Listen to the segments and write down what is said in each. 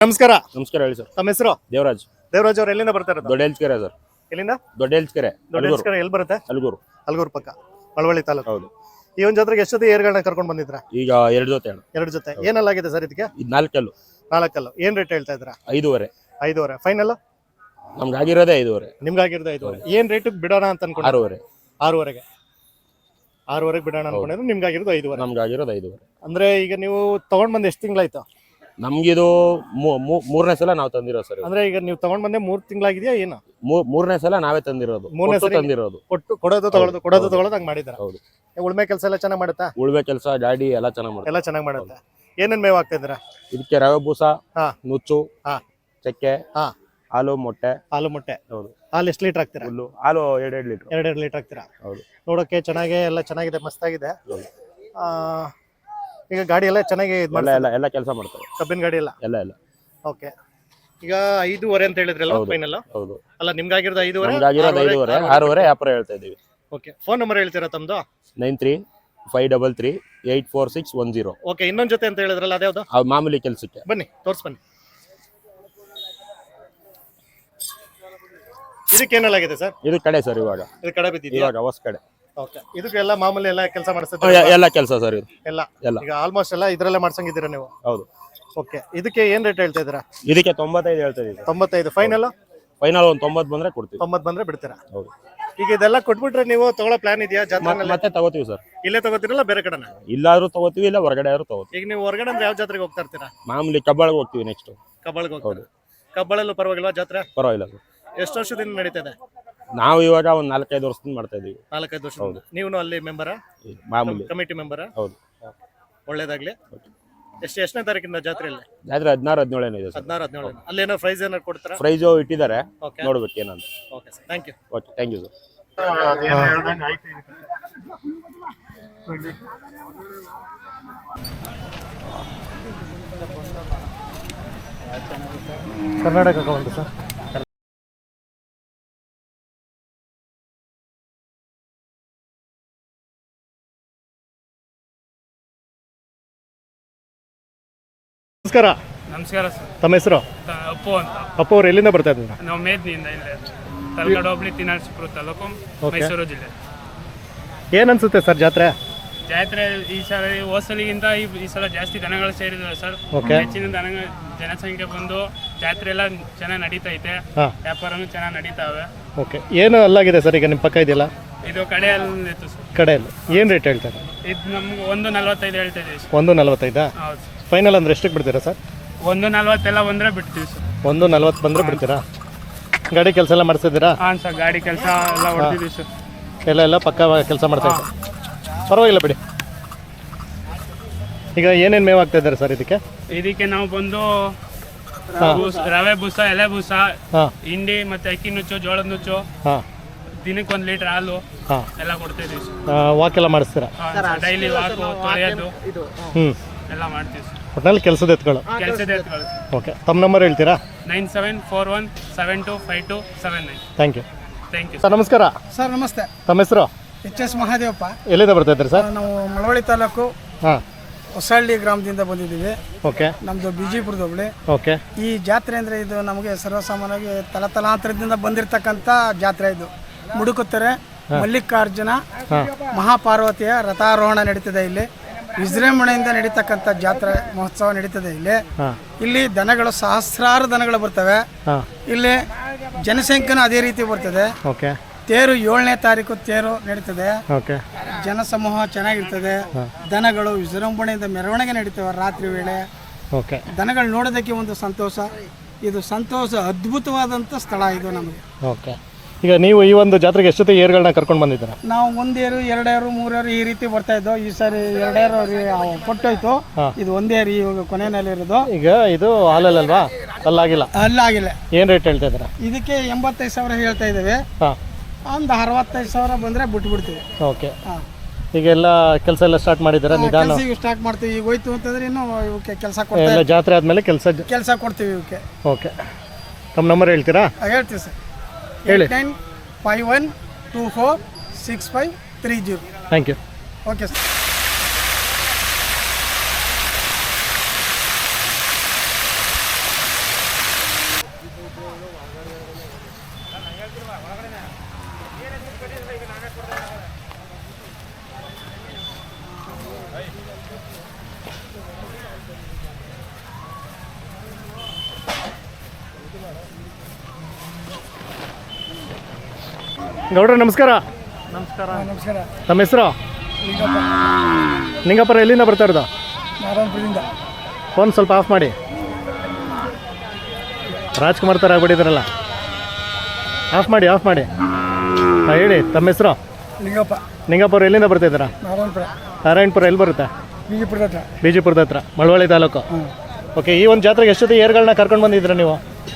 ನಮಸ್ಕಾರ. ನಮಸ್ಕಾರ ಹೇಳಿ ಸರ್. ತಮ್ಮ ಹೆಸರು? ದೇವರಾಜ್. ದೇವರಾಜ್ ಅವ್ರು ಎಲ್ಲಿಂದ ಬರ್ತಾ ಇರೋದು? ದೊಡ್ಡ ಹೆಲ್ಸ್ಕೆರೆ ಸರ್. ಎಲ್ಲಿಂದ? ದೊಡ್ಡ ಹೆಲ್ಸ್ಕೆರೆ. ದೊಡ್ಡ ಹೆಲ್ಸ್ಕೆರೆ ಎಲ್ಲಿ ಬರುತ್ತೆ? ಅಲ್ಗೂರು. ಅಲ್ಗೂರು ಪಕ್ಕ ಮಳವಳ್ಳಿ ತಾಲೂಕು. ಹೌದು. ಈ ಒಂದು ಜಾತ್ರೆಗೆ ಎಷ್ಟು ಜೊತೆ ಏರ್ಗಳನ್ನ ಕರ್ಕೊಂಡು ಬಂದಿದ್ರಾ? ಈಗ 2 ಜೊತೆ ಅಣ್ಣ. 2 ಜೊತೆ. ಏನಲ್ಲಾಗಿದೆ ಸರ್ ಇದಕ್ಕೆ? ಇದು 4 ಕಲ್ಲು. 4 ಕಲ್ಲು. ಏನ್ ರೇಟ್ ಹೇಳ್ತಾ ಇದ್ದೀರಾ? 5.5. 5.5 ಫೈನಲ್? ನಮ್ಗೆ ಆಗಿರೋದೇ 5.5. ನಿಮ್ಗೆ ಆಗಿರೋದು 5.5. ಏನ್ ರೇಟಿಗೆ ಬಿಡೋಣ ಅಂತ ಅನ್ಕೊಂಡು? 6.5. 6.5ಗೆ. 6.5ಗೆ ಬಿಡೋಣ ಅನ್ಕೊಂಡಿದ್ರೆ ನಿಮ್ಗೆ ಆಗಿರೋದು 5.5. ನಮ್ಗೆ ಆಗಿರೋದು 5.5. ಅಂದ್ರೆ ಈಗ ನೀವು ತಗೊಂಡ್ ಬಂದು ಎಷ್ಟು ತಿಂಗಳಾಯ್ತು? ನಮ್ಗಿದು ಮೂರನೇ ಸಲ ನಾವು ತಂದಿರೋದು ಸರ್. ಅಂದ್ರೆ ಈಗ ನೀವು ತಗೊಂಡ್ ಬಂದೆ 3 ತಿಂಗಳಾಗಿದೆಯಾ ಏನು? ಮೂರನೇ ಸಲ ನಾವೇ ತಂದಿರೋದು. ಮೂರನೇ ಸಲ ತಂದಿರೋದು. ಕೊಡೋದು ತಗೊಳ್ಳೋದು ಹಂಗ್ ಮಾಡಿದಾರೆ. ಹೌದು. ಉಳ್ಮೆ ಕೆಲಸ ಎಲ್ಲ ಚೆನ್ನಾಗಿ ಮಾಡುತ್ತಾ? ಉಳ್ಮೆ ಕೆಲಸ ಗಾಡಿ ಎಲ್ಲ ಚೆನ್ನಾಗಿ ಮಾಡುತ್ತೆ. ಎಲ್ಲ ಚೆನ್ನಾಗಿ ಮಾಡುತ್ತೆ. ಏನೇನ್ ಮೇವ್ ಆಗ್ತಾ ಇದ್ದೀರಾ? ಇದಕ್ಕೆ ರವೆ ಬೂಸ, ನುಚ್ಚು, ಚಕ್ಕೆ, ಹಾಲು, ಮೊಟ್ಟೆ. ಹಾಲು ಮೊಟ್ಟೆ. ಹೌದು. ಹಾಲು ಎಷ್ಟು ಲೀಟರ್ ಹಾಕ್ತೀರಾ? ಹಾಲು 2 ಲೀಟರ್. 2 ಲೀಟರ್ ಹಾಕ್ತೀರಾ? ಹೌದು. ನೋಡೋಕೆ ಎಲ್ಲ ಚೆನ್ನಾಗಿದೆ, ಮಸ್ತಾಗಿದೆ. ಈಗ ಗಾಡಿ ಎಲ್ಲ ಚೆನ್ನಾಗಿ ಎಲ್ಲ ಕೆಲಸ ಮಾಡ್ತಾರೆ. ಕಬ್ಬಿನ ಗಾಡಿ ಎಲ್ಲ. ಓಕೆ. ಈಗ 5.5 ಅಂತ ಹೇಳಿದ್ರಲ್ಲ ಫೈನಲ್? ಹೌದು. ಅಲ್ಲ ನಿಮ್ಗಾಗಿರೋದು 5.5? ನಮ್ಗಾಗಿರೋದು 5.5. 6.5 ವ್ಯಾಪಾರ ಹೇಳ್ತಾ ಇದೀವಿ. ಓಕೆ. ಫೋನ್ ನಂಬರ್ ಹೇಳ್ತೀರಾ ತಮ್ಮದು? 9353384610. ಓಕೆ. ಇನ್ನೊಂದು ಜೊತೆ ಅಂತ ಹೇಳಿದ್ರಲ್ಲ ಅದ್ಯಾವುದು? ಮಾಮೂಲಿ ಕೆಲಸಕ್ಕೆ. ಬನ್ನಿ ಬನ್ನಿ. ಇದಕ್ಕೆ ಏನಲ್ಲಾಗಿದೆ ಸರ್? ಇದು ಕಡೆ ಸರ್. ಇವಾಗ ಇದು ಕಡೆ ಬಿದ್ದಿದೆಯಾ? ಇವಾಗ ಹೊಸ ಕಡೆ. ಓಕೆ. ಇದಕ್ಕೆಲ್ಲ ಮಾಮೂಲಿ ಎಲ್ಲ ಕೆಲಸ ಮಾಡಿಸ್ತಾರೆ? ಎಲ್ಲ ಕೆಲಸ ಸರ್. ಇದು ಎಲ್ಲ ಈಗ ಆಲ್ಮೋಸ್ಟ್ ಎಲ್ಲ ಇದರಲ್ಲೇ ಮಾಡ್ಸಂಗಿದ್ದೀರಾ ನೀವು? ಹೌದು. ಓಕೆ. ಇದಕ್ಕೆ ಏನ್ ರೇಟ್ ಹೇಳ್ತಾ ಇದ್ದೀರಾ? ಇದಕ್ಕೆ 95 ಹೇಳ್ತಾ ಇದೀವಿ. 95 ಫೈನಲ್? ಫೈನಲ್ ಒಂದು 90 ಬಂದ್ರೆ ಕೊಡ್ತೀವಿ. 90 ಬಂದ್ರೆ ಬಿಡ್ತೀರಾ? ಹೌದು. ಈಗ ಇದೆಲ್ಲ ಕೊಟ್ಬಿಟ್ರೆ ನೀವು ತಗೊಳ್ಳೋ ಪ್ಲಾನ್ ಇದೆಯಾ ಜಾತ್ರೆನಲ್ಲಿ? ಮತ್ತೆ ತಗೋತೀವಿ ಸರ್. ಇಲ್ಲೇ ತಗೋತೀರಲ್ಲ ಬೇರೆ ಕಡೆನ? ಇಲ್ಲಾದ್ರೂ ತಗೋತೀವಿ, ಇಲ್ಲ ಹೊರಗಡೆ ಆದ್ರೂ ತಗೋತೀವಿ. ಈಗ ನೀವು ಹೊರಗಡೆ ಅಂದ್ರೆ ಯಾವ ಜಾತ್ರೆಗೆ ಹೋಗ್ತಾ ಇರ್ತೀರಾ? ಮಾಮೂಲಿ ಕಬ್ಬಾಳಿಗೆ ಹೋಗ್ತೀವಿ. ನೆಕ್ಸ್ಟ್ ಕಬ್ಬಾಳಿಗೆ ಹೋಗ್ತೀವಿ. ಕಬ್ಬಾಳಲ್ಲೂ ಪರವಾಗಿಲ್ವಾ ಜಾತ್ರೆ? ಪರವಾಗಿಲ್ಲ ಸರ್. ಎಷ್ಟು ವರ್ಷದಿಂದ ನಡೀತದೆ? ನಾವು ಇವಾಗ ಒಂದು 4-5 ವರ್ಷದಿಂದ ಮಾಡ್ತಾ ಇದೀವಿ. 4-5 ವರ್ಷ. ನೀವು ಅಲ್ಲಿ ಮೆಂಬರಾ? ಮಾಮೂಲಿ ಕಮಿಟಿ ಮೆಂಬರಾ? ಹೌದು. ಒಳ್ಳೇದಾಗ್ಲಿ. ಎಷ್ಟನೇ ತಾರೀಕಿಂದ ಜಾತ್ರೆಯಲ್ಲಿ? ಜಾತ್ರೆ 16-17 ಇದೆ ಸರ್. 16-17. ಅಲ್ಲೇನೋ ಪ್ರೈಸ್ ಏನಾರು ಕೊಡ್ತಾರಾ? ಪ್ರೈಸ್ ಇಟ್ಟಿದ್ದಾರೆ, ನೋಡ್ಬೇಕು ಏನಂತ. Okay sir, thank you. Okay, thank you sir. Karnataka ಬಂತು ಸರ್. ನಮಸ್ಕಾರ. ನಮಸ್ಕಾರ ಸರ್. ತಮ್ಮ ಹೆಸರು? ಅಪ್ಪು ಅಂತ. ಅಪ್ಪು ಅವ್ರು ಎಲ್ಲಿಂದ ಬರ್ತಾ ಇದ್ದೀರಾ? ನಾವು ಮೇದ್ನಿಯಿಂದ ಇಲ್ಲೇ ತಲಗಡ ಹೋಬಳಿ ತಿನಾರ್ಸಿಪುರ ತಾಲೂಕು, ಮೈಸೂರು ಜಿಲ್ಲೆ. ಏನನ್ಸುತ್ತೆ ಸರ್ ಜಾತ್ರೆ? ಜಾತ್ರೆ ಈ ಸಲ ಹೋಸಲಿಗಿಂತ ಈ ಸಲ ಜಾಸ್ತಿ ದನಗಳು ಸೇರಿದಾವೆ ಸರ್. ಹೆಚ್ಚಿನ ಜನಸಂಖ್ಯೆ ಬಂದು ಜಾತ್ರೆ ಎಲ್ಲ ಚೆನ್ನಾಗಿ ನಡೀತೈತೆ, ವ್ಯಾಪಾರನೂ ಚೆನ್ನಾಗಿ ನಡೀತಾವೆ. ಓಕೆ. ಏನು ಅಲ್ಲಾಗಿದೆ ಸರ್ ಈಗ ನಿಮ್ಮ ಪಕ್ಕ ಇದೆಯಲ್ಲ? ಇದು ಕಡೆಯಲ್ಲಿ ಇತ್ತು ಸರ್. ಕಡೆಯಲ್ಲಿ ಏನು ರೇಟ್ ಹೇಳ್ತಾರೆ? ಇದು ನಮ್ಗೆ 1.45 ಹೇಳ್ತಾ ಇದೀವಿ ಸರ್. 1.45? ಹೌದು. ಫೈನಲ್ ಅಂದ್ರೆ ಎಷ್ಟಕ್ಕೆ ಬಿಡ್ತೀರಾ ಸರ್? 1.40 ಎಲ್ಲ ಬಂದರೆ ಬಿಡ್ತೀವಿ ಸರ್. 1.40 ಬಂದರೆ ಬಿಡ್ತೀರಾ? ಗಾಡಿ ಕೆಲಸ ಎಲ್ಲ ಮಾಡಿಸಿದ್ದೀರಾ? ಹಾಂ ಸರ್, ಗಾಡಿ ಕೆಲಸ ಎಲ್ಲ ಹೊಡ್ತಿದ್ದೀವಿ ಸರ್. ಎಲ್ಲ ಪಕ್ಕ ಕೆಲಸ ಮಾಡ್ತಾ ಇದ್ದಾರೆ. ಪರವಾಗಿಲ್ಲ ಬಿಡಿ. ಈಗ ಏನೇನು ಮೇವು ಆಗ್ತಾ ಇದ್ದಾರೆ ಸರ್ ಇದಕ್ಕೆ? ನಾವು ಬಂದು ರವೆ ಬೂಸ, ಎಲೆ ಬೂಸ, ಹಿಂಡಿ ಮತ್ತೆ ಅಕ್ಕಿ ನುಚ್ಚು, ಜೋಳದ ನುಚ್ಚು, ದಿನಕ್ಕೆ 1 ಲೀಟರ್ ಹಾಲು ಎಲ್ಲ ಕೊಡ್ತಿದ್ದೀವಿ ಸರ್. ವಾಕ್ ಎಲ್ಲ ಮಾಡಿಸ್ತೀರಾ? ಡೈಲಿ ವಾಕು, ತೊಳೆಯೋದು ಎಲ್ಲ ಮಾಡ್ತೀವಿ ಸರ್. ಒಟ್ಟಿನಲ್ಲಿ ಕೆಲಸದ ಎತ್ಗಳು. ಓಕೆ. ತಮ್ಮ ನಂಬರ್ ಹೇಳ್ತೀರಾ? 9741725279. Thank you. Thank you sir. ನಮಸ್ಕಾರ ಸರ್. ನಮಸ್ತೆ. ತಮ್ಮ ಹೆಸರು? HS ಮಹಾದೇವಪ್ಪ. ಎಲ್ಲಿಂದ ಬರ್ತಾ ಇದ್ದೀರಿ ಸರ್? ನಾವು ಮಳವಳ್ಳಿ ತಾಲೂಕು ಹೊಸಹಳ್ಳಿ ಗ್ರಾಮದಿಂದ ಬಂದಿದ್ದೀವಿ. ಓಕೆ. ನಮ್ಮದು ಬಿಜಿಪುರದ ಹೋಬಳಿ. ಓಕೆ. ಈ ಜಾತ್ರೆ ಅಂದರೆ ಇದು ನಮಗೆ ಸರ್ವಸಾಮಾನ್ಯವಾಗಿ ತಲತಲಾಂತರದಿಂದ ಬಂದಿರತಕ್ಕಂಥ ಜಾತ್ರೆ. ಇದು ಮುಡುಕುತ್ತೆರೆ ಮಲ್ಲಿಕಾರ್ಜುನ ಮಹಾಪಾರ್ವತಿಯ ರಥಾರೋಹಣ ನಡೀತದೆ. ಇಲ್ಲಿ ವಿಜೃಂಭಣೆಯಿಂದ ನಡೀತಕ್ಕಂಥ ಜಾತ್ರೆ ಮಹೋತ್ಸವ ನಡೀತದೆ. ಇಲ್ಲಿ ದನಗಳು ಸಹಸ್ರಾರು ದನಗಳು ಬರ್ತವೆ. ಇಲ್ಲಿ ಜನಸಂಖ್ಯೆನೂ ಅದೇ ರೀತಿ ಬರ್ತದೆ. ಓಕೆ. ತೇರು 7ನೇ ತಾರೀಕು ತೇರು ನಡೀತದೆ. ಓಕೆ. ಜನಸಮೂಹ ಚೆನ್ನಾಗಿರ್ತದೆ. ದನಗಳು ವಿಜೃಂಭಣೆಯಿಂದ ಮೆರವಣಿಗೆ ನಡೀತವೆ ರಾತ್ರಿ ವೇಳೆ. ಓಕೆ. ದನಗಳು ನೋಡೋದಕ್ಕೆ ಒಂದು ಸಂತೋಷ. ಇದು ಸಂತೋಷ ಅದ್ಭುತವಾದಂಥ ಸ್ಥಳ ಇದು ನಮಗೆ. ಓಕೆ. ಈಗ ನೀವು ಈ ಒಂದು ಜಾತ್ರೆಗೆ ಎಷ್ಟೊತ್ತೆ ಏರ್ಗಳನ್ನ ಕರ್ಕೊಂಡು ಬಂದಿದ್ದೀರಾ? ನಾವು 1 ಏರು 2 ಏರು 3 ಏರು ಈ ರೀತಿ ಬರ್ತಾ ಇದ್ದೋ. ಈ ಸಾರಿ 2 ಏರು ಕೊಟ್ಟೋಯ್ತು. ಇದು 1 ಏರು ಇವಾಗ ಕೊನೆಯಲ್ಲಿ ಇರೋದು. ಈಗ ಇದು ಹಾಲಲ್ಲಲ್ವಾ? ಅಲ್ಲಾಗಿಲ್ಲ? ಅಲ್ಲಾಗಿಲ್ಲ. ಏನು ರೇಟ್ ಹೇಳ್ತಾ ಇದ್ದೀರಾ? ಇದಕ್ಕೆ 85,000 ಹೇಳ್ತಾ ಇದ್ದೇವೆ. ಒಂದು 65,000 ಬಂದರೆ ಬಿಟ್ಬಿಡ್ತೀವಿ. ಓಕೆ. ಈಗೆಲ್ಲ ಕೆಲಸ ಎಲ್ಲ ಸ್ಟಾರ್ಟ್ ಮಾಡಿದ್ದೀರಾ? ನಿಧಾನ ಈಗ ಸ್ಟಾರ್ಟ್ ಮಾಡ್ತೀವಿ. ಈಗ ಹೋಯ್ತು ಅಂತಂದ್ರೆ ಇನ್ನೂ ಇವಕ್ಕೆ ಕೆಲಸ ಕೊಡ್ತೀವಿ. ಜಾತ್ರೆ ಆದಮೇಲೆ ಕೆಲಸ ಕೊಡ್ತೀವಿ ಇವಕ್ಕೆ. ಓಕೆ. ತಮ್ಮ ನಂಬರ್ ಹೇಳ್ತೀರಾ? ಹೇಳ್ತೀವಿ ಸರ್. ಹೇಳಿ. 8951246530. Thank you. Okay sir. ಗೌಡ್ರ ನಮಸ್ಕಾರ. ನಮಸ್ಕಾರ. ತಮ್ಮ ಹೆಸರು? ನಿಂಗಪ್ಪರ. ಎಲ್ಲಿಂದ ಬರ್ತಾ ಇರೋದು? ನಾರಾಯಣಪುರದಿಂದ. ಫೋನ್ ಸ್ವಲ್ಪ ಆಫ್ ಮಾಡಿ. ರಾಜ್ಕುಮಾರ್ ಥರ ಆಗ್ಬಿಟ್ಟಿದ್ರಲ್ಲ, ಆಫ್ ಮಾಡಿ. ಹಾಂ ಹೇಳಿ, ತಮ್ಮ ಹೆಸರು? ಲಿಂಗಪ್ಪ. ನಿಂಗಪ್ಪರು ಎಲ್ಲಿಂದ ಬರ್ತಿದ್ದೀರಾ? ನಾರಾಯಣಪುರ. ನಾರಾಯಣಪುರ ಎಲ್ಲಿ ಬರುತ್ತೆ? ಬಿಜಿಪುರದ ಹತ್ರ, ಮಳವಳ್ಳಿ ತಾಲೂಕು. ಓಕೆ, ಈ ಒಂದು ಜಾತ್ರೆಗೆ ಎಷ್ಟು ಜೊತೆ ಏರ್ಗಳನ್ನ ಕರ್ಕೊಂಡು ಬಂದಿದ್ದೀರಾ ನೀವು?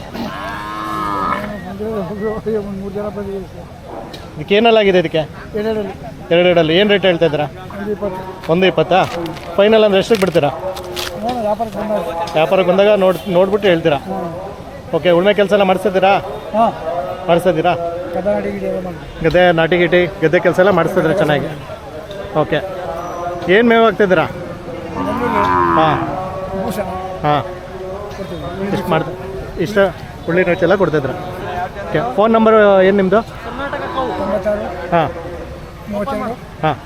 3 ಜನ ಬಂದಿದ್ದೀವಿ. ಇದಕ್ಕೆ ಏನಲ್ಲಾಗಿದೆ? ಇದಕ್ಕೆ ಎರಡೆರಡಲ್ಲಿ ಏನು ರೇಟ್ ಹೇಳ್ತಾ ಇದ್ದೀರಾ? 120. ಫೈನಲ್ ಅಂದರೆ ಎಷ್ಟಕ್ಕೆ ಬಿಡ್ತೀರಾ? ವ್ಯಾಪಾರಕ್ಕೆ ಬಂದಾಗ ನೋಡ್ಬಿಟ್ಟು ಹೇಳ್ತೀರಾ? ಓಕೆ, ಉಳ್ಮೆ ಕೆಲಸ ಎಲ್ಲ ಮಾಡಿಸ್ತಿದ್ದೀರಾ? ಗದ್ದೆ ನಾಟಿ ಗಿಟಿ ಗದ್ದೆ ಕೆಲಸ ಎಲ್ಲ ಮಾಡಿಸ್ತಿದ್ದೀರಾ ಚೆನ್ನಾಗಿ? ಓಕೆ, ಏನು ಮೇವು ಹಾಕ್ತಿದ್ದೀರಾ? ಹಾಂ ಇಷ್ಟ ಉಳ್ಳಿ ನುಚ್ಚೆಲ್ಲ ಕೊಡ್ತಿದ್ದೀರಾ? ಓಕೆ, ಫೋನ್ ನಂಬರ್ ಏನು ನಿಮ್ಮದು? ಹಾಂ ಹಾಂ.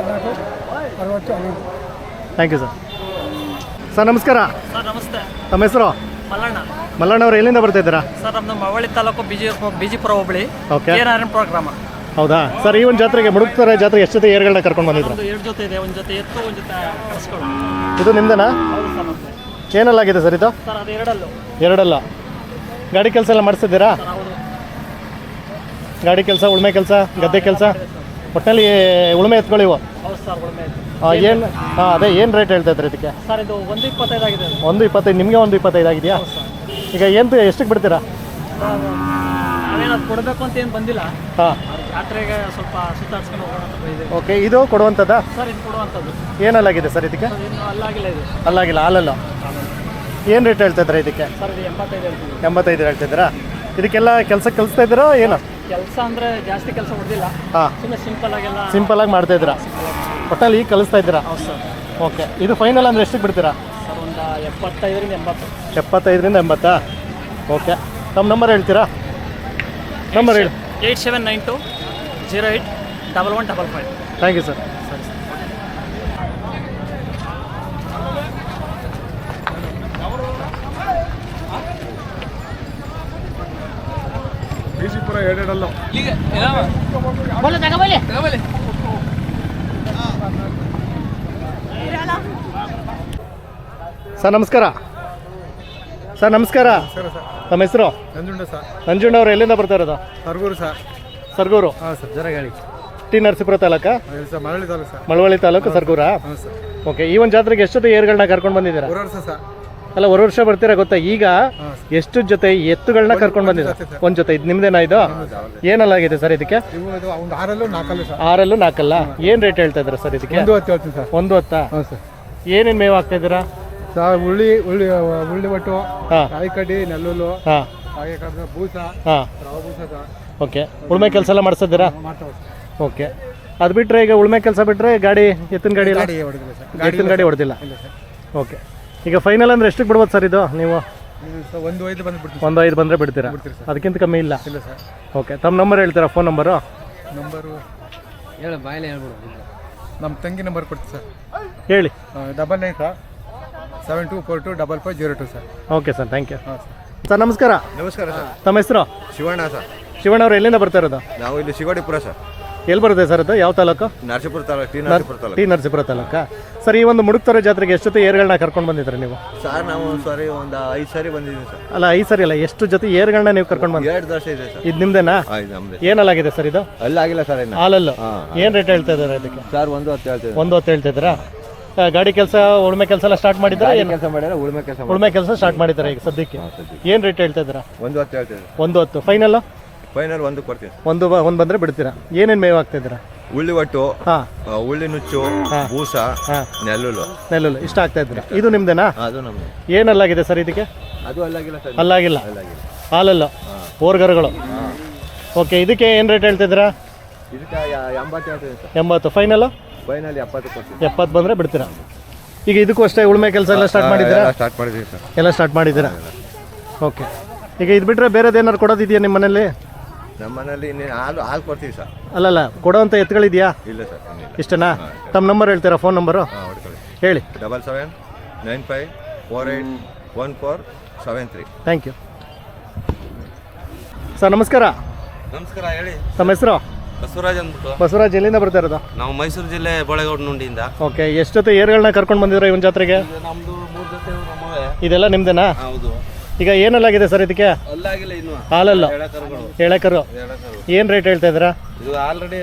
Thank you sir. ಸರ್ ನಮಸ್ಕಾರ. ಸರ್ ನಮಸ್ತೆ. ತಮ್ಮ ಹೆಸರು? ಮಲ್ಲಣ್ಣ. ಮಲ್ಲಣ್ಣ ಅವರು ಎಲ್ಲಿಂದ ಬರ್ತಿದ್ದೀರಾ? ಸರ್ ನಮ್ಮದು ಮಳವಳ್ಳಿ ತಾಲೂಕು ಬಿಜಿಪುರ ಹೋಬಳಿ. Okay, program. ಹೌದಾ ಸರ್? ಈ ಒಂದು ಜಾತ್ರೆಗೆ ಮುಡುಕ್ತಾರೆ ಜಾತ್ರೆಗೆ ಎಷ್ಟು ಜೊತೆ ಏರ್ಗಳನ್ನ ಕರ್ಕೊಂಡು ಬಂದಿದ್ರು? 2 ಜೊತೆ ಇದೆ, ಒಂದು ಜೊತೆ ಎತ್ತು, ಒಂದು ಜೊತೆ ಕರ್ಸ್ಕೊಂಡು. ಇದು ನಿಮ್ದೇನಾ? ಹೌದು ಸರ್ ನಮ್ಮದೇ. ಏನಲ್ಲಾಗಿದೆ ಸರ್ ಇದು? ಸರ್ ಅದು ಎರಡಲ್ಲು. ಎರಡಲ್ಲ. ಗಾಡಿ ಕೆಲಸ ಎಲ್ಲ ಮಾಡಿಸ್ತಿದ್ದೀರಾ? ಸರ್ ಹೌದು. ಗಾಡಿ ಕೆಲಸ, ಉಳ್ಮೆ ಕೆಲಸ, ಗದ್ದೆ ಕೆಲಸ, ಒಟ್ಟಿನಲ್ಲಿ ಉಳ್ಮೆ ಎತ್ಕೊಳ್ಳಿವು. ಹೌದು ಸರ್, ಉಳ್ಮೆ ಇದೆ. ಏನು? ಹಾಂ, ಅದೇ ಏನು ರೇಟ್ ಹೇಳ್ತಾ ಇದ್ರಿ ಇದಕ್ಕೆ? ಸರ್ ಇದು 125 ಆಗಿದೆ. 125. ನಿಮಗೆ 125 ಆಗಿದೆಯಾ? ಈಗ ಏನು ಎಷ್ಟಕ್ಕೆ ಬಿಡ್ತೀರಾ? ನಾವೇನದು ಕೊಡಬೇಕು ಅಂತ ಏನು ಬಂದಿಲ್ಲ. ಹಾಂ, ಜಾತ್ರೆಗೆ ಸ್ವಲ್ಪ ಸುತ್ತಾಡ್ಸ್ಕೊಂಡು ಹೋಗೋಣ ಅಂತ ಇದೆ. ಓಕೆ, ಇದು ಕೊಡುವಂಥದ್ದಾ? ಸರ್ ಇದು ಕೊಡುವಂಥದ್ದು. ಏನಲ್ಲಾಗಿದೆ ಸರ್ ಇದಕ್ಕೆ? ಸರ್ ಇನ್ನು ಅಲ್ಲಾಗಿಲ್ಲ ಇದು. ಅಲ್ಲಾಗಿಲ್ಲ, ಹಾಲಲ್ಲ. ಏನು ರೇಟ್ ಹೇಳ್ತಾ ಇದ್ದೀರಾ ಇದಕ್ಕೆ? ಸರ್ ಇದು 85 ಹೇಳ್ತೀವಿ. 85 ಹೇಳ್ತಿದ್ದೀರಾ? ಇದಕ್ಕೆಲ್ಲ ಕೆಲಸ ಕಲಿಸ್ತಾ ಇದ್ದೀರಾ ಏನು? ಕೆಲಸ ಅಂದರೆ ಜಾಸ್ತಿ ಕೆಲಸ ಹೊಡೆದಿಲ್ಲ. ಹಾಂ, ಸುಮ್ಮನೆ ಸಿಂಪಲ್ ಆಗಿ ಮಾಡ್ತಾ ಇದ್ದೀರಾ? ಒಟ್ಟಲ್ಲಿ ಈಗ ಕಲಿಸ್ತಾ ಇದ್ದೀರಾ? ಹೌದು ಸರ್. ಓಕೆ, ಇದು ಫೈನಲ್ ಅಂದರೆ ಎಷ್ಟಕ್ಕೆ ಬಿಡ್ತೀರಾ? ಸರ್ ಒಂದು 75ರಿಂದ 80. 75ರಿಂದ 80. ಓಕೆ, ತಮ್ಮ ನಂಬರ್ ಹೇಳ್ತೀರಾ? ನಂಬರ್ ಹೇಳಿ. 8792 08 1155. Thank you sir. ಸರಿ ಸರ್. ಬಿಜಿಪುರ ಎರಡೆರಡಲ್ಲ. ಸರ್ ನಮಸ್ಕಾರ. ಸರ್ ನಮಸ್ಕಾರ. ತಮ್ಮ ಹೆಸರು? ನಂಜುಂಡ ಸರ್. ನಂಜುಂಡ ಅವರು ಎಲ್ಲಿಂದ ಬರ್ತಾ ಇರೋದು? ಸರ್ಗೂರು ಸರ್. ಸರ್ಗೂರು. ಹಾಂ ಸರ್, ಜರ ಹೇಳಿ. ಟಿ ನರಸೀಪುರ ತಾಲೂಕಾ? ಸರ್ ಮಳವಳ್ಳಿ ತಾಲೂಕು ಸರ್. ಮಳವಳ್ಳಿ ತಾಲೂಕು, ಸರ್ಗೂರಾ? ಹಾಂ ಸರ್. ಓಕೆ, ಈ ಒಂದು ಜಾತ್ರೆಗೆ ಎಷ್ಟು ಏರ್ಗಳನ್ನ ಕರ್ಕೊಂಡು ಬಂದಿದ್ದೀರಾ? 1 ವರ್ಷ ಸರ್. ಅಲ್ಲ, 1 ವರ್ಷ ಬರ್ತೀರಾ ಗೊತ್ತಾ? ಈಗ ಎಷ್ಟು ಜೊತೆ ಎತ್ತುಗಳನ್ನ ಕರ್ಕೊಂಡು ಬಂದಿದ್ದೀರಾ? ಒಂದು ಜೊತೆ. ಇದು ನಿಮ್ದೇನಾ? ಇದು ಏನಲ್ಲಾಗಿದೆ ಸರ್ ಇದಕ್ಕೆ? ಒಂದು 6 4 ಸರ್. 6 4. ಏನು ರೇಟ್ ಹೇಳ್ತಾ ಇದ್ದೀರಾ ಸರ್ ಇದಕ್ಕೆ? 110 ಹೇಳ್ತೀನಿ ಸರ್. 110. ಹಾಂ ಸರ್. ಏನೇನು ಮೇವು ಹಾಕ್ತಾ ಇದ್ದೀರಾ ಸರ್? ಉಳ್ಳಿ ಒಟ್ಟು, ಹಾಂ, ಕಾಯಿ ಕಡ್ಡಿ, ನೆಲ್ಲುಲ್ಲು, ಹಾಂ, ಹಾಗೆ ಕಡ್ದ ಬೂಸ, ಹಾಂ. ರವೆ ಬೂಸ ಸರ್. ಓಕೆ, ಉಳ್ಮೆ ಕೆಲಸ ಎಲ್ಲ ಮಾಡಿಸ್ತಿದ್ದೀರಾ? ಮಾಡ್ತಾವೆ ಸರ್. ಓಕೆ, ಅದು ಬಿಟ್ಟರೆ ಈಗ ಉಳ್ಮೆ ಕೆಲಸ ಬಿಟ್ಟರೆ ಗಾಡಿ, ಎತ್ತಿನ ಗಾಡಿ ಇಲ್ಲ? ಗಾಡಿ ಹೊಡೆದಿಲ್ಲ ಸರ್. ಎತ್ತಿನ ಗಾಡಿ ಹೊಡೆದಿಲ್ಲ. ಇಲ್ಲ ಸರ್. ಓಕೆ, ಈಗ ಫೈನಲ್ ಅಂದರೆ ಎಷ್ಟಕ್ಕೆ ಬಿಡ್ಬೋದು ಸರ್ ಇದು ನೀವು? ಸರ್ 1.5 ಬಂದುಬಿಡ್ತೀವಿ. 1.5 ಬಂದರೆ ಬಿಡ್ತೀರಾ? ಬಿಡ್ತೀರಿ ಸರ್. ಅದಕ್ಕಿಂತ ಕಮ್ಮಿ ಇಲ್ಲ? ಇಲ್ಲ ಸರ್. ಓಕೆ, ತಮ್ಮ ನಂಬರ್ ಹೇಳ್ತೀರಾ? Phone number? ಹೇಳು, ಬಾಯಲ್ಲೇ ಹೇಳ್ಬಿಡು. ನಮ್ಮ ತಂಗಿ ನಂಬರ್ ಕೊಡ್ತೀವಿ ಸರ್. ಹೇಳಿ. 99 sir 72425502 sir. Okay sir, thank you. ಹಾಂ ಸರ್. ಸರ್ ನಮಸ್ಕಾರ. ನಮಸ್ಕಾರ ಸರ್. ತಮ್ಮ ಹೆಸರು? ಶಿವಣ್ಣ ಸರ್. ಶಿವಣ್ಣ ಅವರು ಎಲ್ಲಿಂದ ಬರ್ತಾ ಇರೋದು? ನಾವು ಇಲ್ಲಿ ಶಿವಡಿಪುರ ಸರ್. ಎಲ್ಲಿ ಬರುತ್ತೆ ಸರ್ ಅದು? ಯಾವ ತಾಲೂಕು? ನರಸೀಪುರ ತಾಲೂಕು. ಟಿ ನರಸೀಪುರ ತಾಲೂಕು. ಟಿ ನರಸೀಪುರ ತಾಲೂಕಾ? ಸರ್, ಈ ಒಂದು ಮುಡುಕ್ತೊರೆ ಜಾತ್ರೆಗೆ ಎಷ್ಟು ಜೊತೆ ಏರ್ಗಳನ್ನ ಕರ್ಕೊಂಡು ಬಂದಿದ್ರಿ ನೀವು? ಸರ್ ನಾವು ಸಾರಿ ಒಂದು 5 ಸಾರಿ ಬಂದಿದ್ದೀವಿ ಸರ್. ಅಲ್ಲ, 5 ಸರಿ ಅಲ್ಲ, ಎಷ್ಟು ಜೊತೆ ಏರ್ಗಳನ್ನ ನೀವು ಕರ್ಕೊಂಡು ಬಂದ್ರಿ? 2 ವರ್ಷ ಇದೆ ಸರ್. ಇದು ನಿಮ್ದೇನಾ? ಇದು ನಮ್ದು. ಏನಲ್ಲಾಗಿದೆ ಸರ್ ಇದು? ಅಲ್ಲಾಗಿಲ್ಲ ಸರ್ ಇನ್ನು. ಹಾಲಲ್ಲು. ಏನು ರೇಟ್ ಹೇಳ್ತಾ ಇದ್ದಾರೆ ಇದಕ್ಕೆ? ಸರ್ 110 ಹೇಳ್ತೀವಿ. 110 ಹೇಳ್ತಿದ್ದೀರಾ? ಗಾಡಿ ಕೆಲಸ, ಉಳ್ಮೆ ಕೆಲಸ ಎಲ್ಲ ಸ್ಟಾರ್ಟ್ ಮಾಡಿದ್ದೀರಾ? ಏನು ಕೆಲಸ ಮಾಡ್ಯಾರ? ಉಳ್ಮೆ ಕೆಲಸ ಉಳ್ಮೆ ಕೆಲಸ ಸ್ಟಾರ್ಟ್ ಮಾಡಿದ್ದಾರೆ ಈಗ ಸದ್ಯಕ್ಕೆ. ಏನು ರೇಟ್ ಹೇಳ್ತಾ ಇದ್ದೀರಾ? 110 ಹೇಳ್ತೀವಿ. 110. ಫೈನಲ್? ಫೈನಲ್ 1 ಕೊಡ್ತೀವಿ. ಒಂದು ಬಂದರೆ ಬಿಡ್ತೀರಾ? ಏನೇನು ಮೇವು ಹಾಕ್ತಿದ್ದೀರಾ? ಉಳ್ಳಿ ಒಟ್ಟು, ಹಾಂ, ಉಳ್ಳಿ ನುಚ್ಚು, ಬೂಸ, ಹಾಂ, ನೆಲ್ಲುಲ್ಲು. ನೆಲ್ಲುಲ್ಲು ಇಷ್ಟ ಆಗ್ತಾ ಇದ್ದೀರಾ? ಇದು ನಿಮ್ದೇನಾ? ಅದು ನಮ್ದು. ಏನಲ್ಲಾಗಿದೆ ಸರ್ ಇದಕ್ಕೆ? ಅದು ಅಲ್ಲಾಗಿಲ್ಲ ಸರ್. ಅಲ್ಲಾಗಿಲ್ಲ, ಅಲ್ಲಾಗಿಲ್ಲ. ಹಾಲಲ್ಲು, ಓರ್ಗರುಗಳು. ಓಕೆ, ಇದಕ್ಕೆ ಏನು ರೇಟ್ ಹೇಳ್ತಿದ್ದೀರಾ? ಇದಕ್ಕೆ 80 ಹೇಳ್ತೀವಿ ಸರ್. 80. ಫೈನಲ್? ಫೈನಲ್ 70 ಕೊಡ್ತೀವಿ. 70 ಬಂದರೆ ಬಿಡ್ತೀರಾ? ಈಗ ಇದಕ್ಕೂ ಅಷ್ಟೇ ಉಳ್ಮೆ ಕೆಲಸ ಎಲ್ಲ ಸ್ಟಾರ್ಟ್ ಮಾಡಿದ್ದೀರಾ? ಸ್ಟಾರ್ಟ್ ಮಾಡಿದ್ದೀವಿ ಸರ್. ಎಲ್ಲ ಸ್ಟಾರ್ಟ್ ಮಾಡಿದ್ದೀರಾ? ಓಕೆ, ಈಗ ಇದು ಬಿಟ್ಟರೆ ಬೇರೆದು ಏನಾದ್ರು ಕೊಡೋದಿದೆಯಾ ನಿಮ್ಮ ಮನೇಲಿ? ನಮ್ಮ ಮನೇಲಿ ಇನ್ನೇನು ಹಾಲು ಕೊಡ್ತೀವಿ ಸರ್. ಅಲ್ಲಲ್ಲ, ಕೊಡೋವಂಥ ಎತ್ತುಗಳಿದೆಯಾ? ಇಲ್ಲ ಸರ್. ಇಷ್ಟನಾ? ತಮ್ಮ ನಂಬರ್ ಹೇಳ್ತೀರಾ? ಫೋನ್ ನಂಬರು ಹಾಂ, ಹೊಡ್ಕೊಳ್ಳಿ. ಹೇಳಿ. 7795481473. Thank you. ಸರ್ ನಮಸ್ಕಾರ. ನಮಸ್ಕಾರ, ಹೇಳಿ. ತಮ್ಮ ಹೆಸರು? ಬಸವರಾಜ್ ಅಂದ್ಬಿಟ್ಟು. ಬಸವರಾಜ್, ಎಲ್ಲಿಂದ ಬರ್ತಾ ಇರೋದು? ನಾವು ಮೈಸೂರು ಜಿಲ್ಲೆ ಬೋಳೆಗೌಡನುಂಡಿಯಿಂದ. ಓಕೆ, ಎಷ್ಟು ಜೊತೆ ಏರ್ಗಳನ್ನ ಕರ್ಕೊಂಡು ಬಂದಿದ್ರ ಇವನ್ ಜಾತ್ರೆಗೆ? ನಮ್ದು 3 ಜೊತೆ ನಮ್ಮವೇ. ಇದೆಲ್ಲ ನಿಮ್ದೇನಾ? ಹೌದು. ಈಗ ಏನಲ್ಲಾಗಿದೆ ಸರ್ ಇದಕ್ಕೆ? ಅಲ್ಲಾಗಿಲ್ಲ ಇನ್ನು. ಹಾಲಲ್ಲ, ಎಳೆಕರುಗಳು. ಎಳೆಕರು. ಏನ್ ರೇಟ್ ಹೇಳ್ತಾ ಇದ್ದೀರಾ? ಇದು ಆಲ್ರೆಡಿ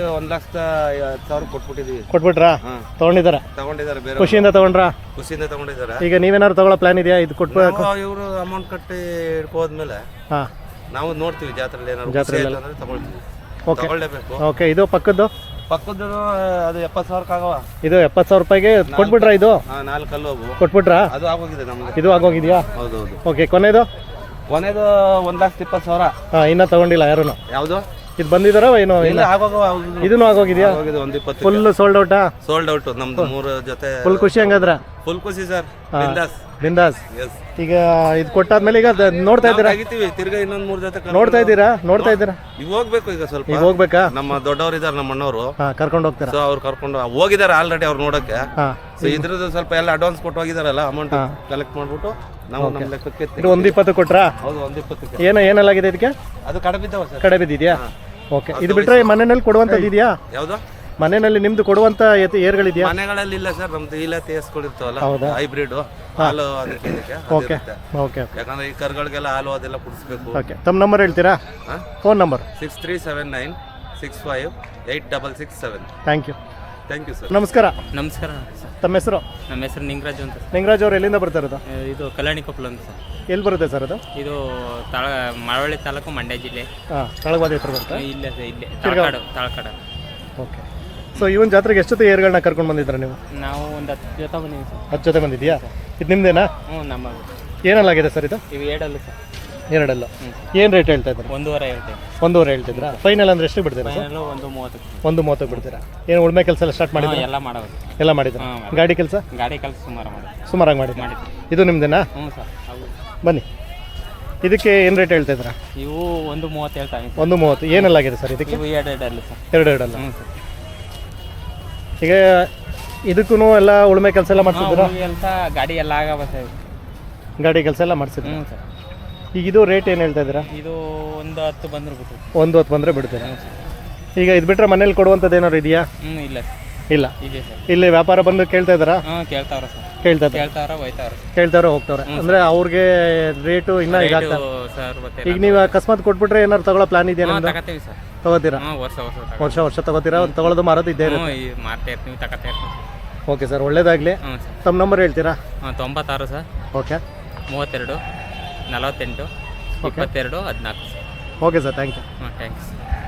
1,10,000 ಕೊಟ್ಬಿಟ್ಟಿದೀವಿ. ಕೊಟ್ಬಿಟ್ರಾ? ತಗೊಂಡಿದಾರ? ತಗೊಂಡಿದ್ದಾರೆ, ಬೇರೆ ಖುಷಿಯಿಂದ ತಗೊಂಡ್ರಾ? ಖುಷಿಯಿಂದ ತಗೊಂಡಿದ್ದಾರೆ. ಈಗ ನೀವೇನಾದ್ರು ತಗೊಳ್ಳೋ ಪ್ಲಾನ್ ಇದೆಯಾ? ಇದು ಕೊಟ್ಬೇಕು ಇವರು ಅಮೌಂಟ್ ಕಟ್ಟಿ ಇಟ್ಕೋದ್ಮೇಲೆ ಹಾ ನಾವು ನೋಡ್ತೀವಿ ಜಾತ್ರೆಯಲ್ಲಿ ಏನಾದ್ರು ಜಾತ್ರೆಯಲ್ಲಿ ಅಂದ್ರೆ ತಗೊಳ್ತೀವಿ. ಓಕೆ ತಗೊಳ್ಳೇಬೇಕು. ಓಕೆ, ಇದು ಪಕ್ಕದ್ದು ಪಕ್ಕದ ಅದು 70,000 ಆಗವ. ಇದು 70,000 ರೂಪಾಯಿಗೆ ಕೊಟ್ಬಿಟ್ರಾ? ಇದು 4 ಕಲ್ಲು ಅವು. ಕೊಟ್ಬಿಟ್ರಾ? ಅದು ಆಗೋಗಿದೆ ನಮ್ಗೆ. ಇದು ಆಗೋಗಿದ್ಯಾ? ಹೌದೌದು. ಓಕೆ, ಕೊನೆದು ಕೊನೆದು 1,20,000. ಇನ್ನ ತಗೊಂಡಿಲ್ಲ ಯಾರು? ಯಾವುದು? ಇದು ಬಂದಿದಾರ ಏನು? ಇಲ್ಲ, ಇದನ್ನು ಆಗೋಗಿದ್ಯಾ? 120. ಫುಲ್ ಸೋಲ್ಡ್ ಔಟಾ? ಸೋಲ್ಡ್ ಔಟ್ ನಮ್ದು 3 ಜೊತೆ. ಫುಲ್ ಖುಷಿ ಹಂಗಾದ್ರೆ? ಫುಲ್ ಖುಷಿ ಸರ್. ಬಿಂದಾಸ್. ಬಿಂದಾಸ್. ಎಸ್. ಈಗ ಇದು ಕೊಟ್ಟಾದ್ಮೇಲೆ ಈಗ ನೋಡ್ತಾ ಇದ್ದೀರಾ? ತೆಗಿತೀವಿ ತಿರ್ಗಾ ಇನ್ನೊಂದ್ 3 ಜೊತೆ ನೋಡ್ತಾ ಇದ್ದೀರಾ? ನೋಡ್ತಾ ಇದ್ದೀರಾ? ಈಗ ಹೋಗ್ಬೇಕು ಈಗ ಸ್ವಲ್ಪ. ಈಗ ಹೋಗ್ಬೇಕಾ? ನಮ್ಮ ದೊಡ್ಡವ್ರು ಇದಾರೆ, ನಮ್ಮ ಅಣ್ಣವರು. ಕರ್ಕೊಂಡು ಹೋಗ್ತೀರಾ? ಸೊ ಅವ್ರು ಕರ್ಕೊಂಡು ಹೋಗಿದ್ದಾರೆ ಆಲ್ರೆಡಿ, ಅವ್ರು ನೋಡಕ್ಕೆ. ಹಾ, ಸೊ ಇದ್ರದ್ದು ಸ್ವಲ್ಪ ಎಲ್ಲ ಅಡ್ವಾನ್ಸ್ ಕೊಟ್ಟು ಹೋಗಿದಾರಲ್ಲ, ಅಮೌಂಟ್ ಕಲೆಕ್ಟ್ ಮಾಡ್ಬಿಟ್ಟು ನಾವು ನಮ್ಮ ಲೆಕ್ಕಕ್ಕೆ ಇದು 120 ಕೊಟ್ರಾ? ಹೌದು, 120. ಏನೆಲ್ಲಾಗಿದೆ ಇದಕ್ಕೆ? ಅದು ಕಡೆ ಬಿದ್ದಾವ ಸರ್. ಕಡೆ ಬಿದ್ದಿದ್ಯಾ? ಓಕೆ, ಇದು ಬಿಟ್ರೆ ಮನೆಯಲ್ಲಿ ಕೊಡುವಂಥದ್ದು ಇದೆಯಾ? ಯಾವ್ದು? ಮನೆಯಲ್ಲಿ ನಿಮ್ದು ಕೊಡುವಂತ ಏರ್ಗಳಿದೆಯಾ? ಮನೆಗಳಲ್ಲಿ ಇಲ್ಲ ಸರ್, ನಮ್ದು ಇಲ್ಲ ತೇಸ್ಕೊಂಡಿರ್ತಾವಲ್ಲ, ಹೌದಾ? ಹೈಬ್ರಿಡ್ ಹಾಲು ಅದಕ್ಕೆ ಇದಕ್ಕೆ ಓಕೆ ಅದಿರುತ್ತೆ. ಓಕೆ ಯಾಕಂದ್ರೆ ಈ ಕರುಗಳಿಗೆಲ್ಲ ಹಾಲು ಅದೆಲ್ಲ ಕುಡಿಸ್ಬೇಕು. ಓಕೆ, ತಮ್ಮ ನಂಬರ್ ಹೇಳ್ತೀರಾ? Phone number? 6379 65 8667. Thank you. Thank you sir. ನಮಸ್ಕಾರ. ನಮಸ್ಕಾರ ಸರ್. ತಮ್ಮ ಹೆಸರು? ನಮ್ಮ ಹೆಸರು ನಿಂಗರಾಜು ಅಂತ ಸರ್. ನಿಂಗರಾಜ್ ಅವರು ಎಲ್ಲಿಂದ ಬರ್ತಾ ಇರೋದು? ಇದು ಕಲ್ಯಾಣಿ ಕೊಪ್ಪಳ ಅಂತ ಸರ್. ಎಲ್ಲಿ ಬರುತ್ತೆ ಸರ್ ಅದು? ಇದು ಮಳವಳ್ಳಿ ತಾಲೂಕು, ಮಂಡ್ಯ ಜಿಲ್ಲೆ. ತಳವಾದ ಹತ್ರ ಬರುತ್ತೆ? ಇಲ್ಲೇ ಸರ್, ಇಲ್ಲೇ ತಳಕಾಡು. ಓಕೆ, ಸೊ ಇವನ್ ಜಾತ್ರೆಗೆ ಎಷ್ಟು ಜೊತೆ ಏರ್ಗಳನ್ನ ಕರ್ಕೊಂಡು ಬಂದಿದ್ರ ನೀವು? ನಾವು ಒಂದು 10 ಜೊತೆ ಬಂದೀವಿ ಸರ್. 10 ಜೊತೆ ಬಂದಿದ್ಯಾ? ಇದು ನಿಮ್ದೇನಾ? ಹ್ಞೂ, ನಮ್ಮ ಏನಲ್ಲಾಗಿದೆ ಸರ್ ಇದು? ಇವು 7 ಸರ್. 2 ಏನು ರೇಟ್ ಹೇಳ್ತಾ ಇದ್ದಾರೆ? 1.5 ಹೇಳ್ತೇವೆ. 1.5 ಹೇಳ್ತಿದ್ರಾ? ಫೈನಲ್ ಅಂದ್ರೆ ಎಷ್ಟು ಬಿಡ್ತೀರಾ ಸರ್? ಫೈನಲು 1.30. 1.30 ಬಿಡ್ತೀರಾ? ಏನು ಉಳ್ಮೆ ಕೆಲಸ ಎಲ್ಲ ಸ್ಟಾರ್ಟ್ ಮಾಡಿದ್ರೆ? ಎಲ್ಲ ಮಾಡೋದು. ಎಲ್ಲ ಮಾಡಿದ್ರ? ಗಾಡಿ ಕೆಲಸ ಗಾಡಿ ಕೆಲಸ ಸುಮಾರು ಮಾಡೋದು. ಸುಮಾರಾಗಿ ಮಾಡಿದ್ರಾ? ಇದು ನಿಮ್ದೇನಾ? ಹ್ಞೂ ಸರ್. ಹೌದು. ಬನ್ನಿ, ಇದಕ್ಕೆ ಏನು ರೇಟ್ ಹೇಳ್ತಾ ಇದ್ದೀರಾ? ಇವು 1.30 ಹೇಳ್ತಾವೆ. 1.30. ಏನಲ್ಲಾಗಿದೆ ಸರ್ ಇದಕ್ಕೆ? ಇವು 2 ಅಲ್ಲ ಸರ್. 2 ಅಲ್ಲ. ಹ್ಞೂ ಸರ್. ಈಗ ಇದಕ್ಕೂ ಎಲ್ಲ ಉಳ್ಮೆ ಕೆಲಸ ಎಲ್ಲ ಮಾಡಿಸಿದ್ರಾ? ಕೆಲಸ ಗಾಡಿ ಎಲ್ಲ ಆಗವ ಸರ್. ಗಾಡಿ ಕೆಲಸ ಎಲ್ಲ ಮಾಡಿಸಿದ್ರು. ಹ್ಞೂ ಸರ್. ಈಗ ಇದು ರೇಟ್ ಏನು ಹೇಳ್ತಾ ಇದ್ದೀರಾ? ಇದು 1.10 ಬಂದ್ರೆ ಬಿಟ್ಟು. 1.10 ಬಂದರೆ ಬಿಡ್ತೀರಾ? ಈಗ ಇದು ಬಿಟ್ಟರೆ ಮನೇಲಿ ಕೊಡುವಂಥದ್ದು ಏನಾದ್ರು ಇದೆಯಾ? ಹ್ಞೂ, ಇಲ್ಲ ಸರ್. ಇಲ್ಲ. ಇದೆ ಸರ್. ಇಲ್ಲಿ ವ್ಯಾಪಾರ ಬಂದು ಕೇಳ್ತಾ ಇದ್ದಾರಾ? ಹಾಂ, ಕೇಳ್ತಾವ್ರ ಸರ್. ಕೇಳ್ತಾರೆ ಹೋಯ್ತಾವ್ರ. ಕೇಳ್ತಾವ್ರೆ ಹೋಗ್ತಾವ್ರೆ. ಅಂದರೆ ಅವ್ರಿಗೆ ರೇಟು ಇನ್ನೂ ಇದಾಗ್ತದೆ ಸರ್. ಈಗ ನೀವು ಅಕಸ್ಮಾತ್ ಕೊಟ್ಬಿಟ್ರೆ ಏನಾದ್ರು ತಗೊಳ್ಳೋ ಪ್ಲಾನ್ ಇದೆಯಾ ನಿಮ್ದು? ತಗೋತೀವಿ ಸರ್. ತಗೋತೀರಾ? ಹ್ಞೂ, ವರ್ಷ ತಗೋತೀರಾ? ತಗೊಳ್ಳೋದು ಮಾರೋದು ಇದ್ದೇ ಹ್ಞೂ, ಇರುತ್ತೆ. ಮಾರ್ತಾ ಇರ್ತೀವಿ, ತಗೋತಾ ಇರ್ತೀವಿ. ಓಕೆ ಸರ್, ಒಳ್ಳೇದಾಗಲಿ. ಹ್ಞೂ ಸರ್. ತಮ್ಮ ನಂಬರ್ ಹೇಳ್ತೀರಾ? 96 sir. Okay. 32 48 22 14 sir. Okay sir, thank you. ಹಾಂ, ಥ್ಯಾಂಕ್ಸ್.